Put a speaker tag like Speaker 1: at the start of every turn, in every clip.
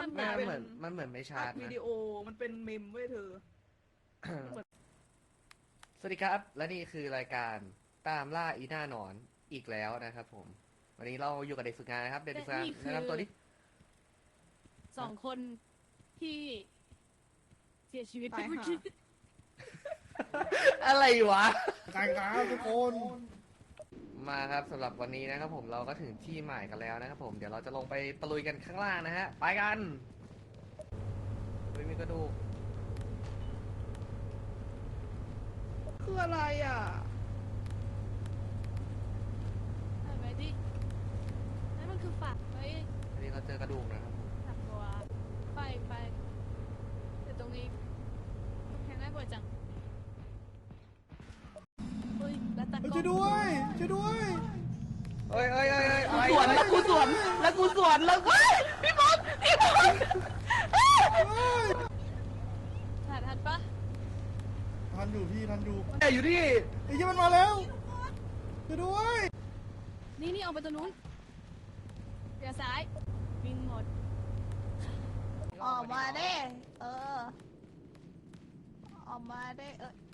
Speaker 1: มัน
Speaker 2: ไม่
Speaker 1: เป็น
Speaker 2: มันเหมือนไม่ชา
Speaker 1: อั
Speaker 2: ร์จ
Speaker 1: ดวิ
Speaker 2: นะ
Speaker 1: ดีโอมันเป็นเมมเว้ยเธอ
Speaker 2: สวัสดีครับ และนี่คือรายการตามล่าอีหน้าหนอนอีกแล้วนะครับผม วันนี้เราอยู่กับเด็กฝึกงานนะครับ เด็กฝึกงาน
Speaker 3: และนี่คือ
Speaker 2: แนะนำตัวดิ
Speaker 3: 2 คนที่เสียชีวิตไป
Speaker 1: ตาย
Speaker 3: เมื่อ
Speaker 1: ห่า
Speaker 3: กี้
Speaker 2: อะไรวะ
Speaker 4: กายครับทุกคน
Speaker 2: มาครับสำหรับวันนี้นะครับผมเราก็ถึงที่หมายกันแล้วนะครับผม เดี๋ยวเราจะลงไปตะลุยกันข้างล่างนะฮะ ไปกันไม่มีกระดูก
Speaker 1: คืออะไรอ่ะ
Speaker 3: ใช่ไหมดินั่นมันคือฝากไว้
Speaker 2: อันนี้เราเจอกระดูกนะครับผม
Speaker 3: ถักตัวไปแต่ตรงนี้แข่งได้บ่อยจังเฮ้ยแล้วตะก
Speaker 4: ช่วยด้วยช่วยด้วย
Speaker 2: เอ้ยอะไร
Speaker 1: สวนแล้วกูสวนแล้วกูสวนแล้วพี่บอล
Speaker 3: ทันปะ
Speaker 4: ทันอยู่พี่ทันอยู่
Speaker 2: แต่อยู่ที่
Speaker 4: ไอ้ยี่มันมาแล้วช่วยด้วย
Speaker 3: นี่ออกไปตรงนู้นเดี๋ยวซ้ายวิ่งหมด
Speaker 1: ออกมาได้ออกมาได้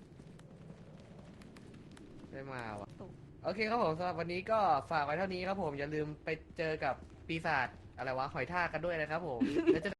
Speaker 2: ได้มาว่ะ โอเคครับผมสำหรับวันนี้ก็ฝากไว้เท่านี้ครับผม อย่าลืมไปเจอกับปีศาจอะไรวะหอยทากกันด้วยนะครับผมแล้วจะ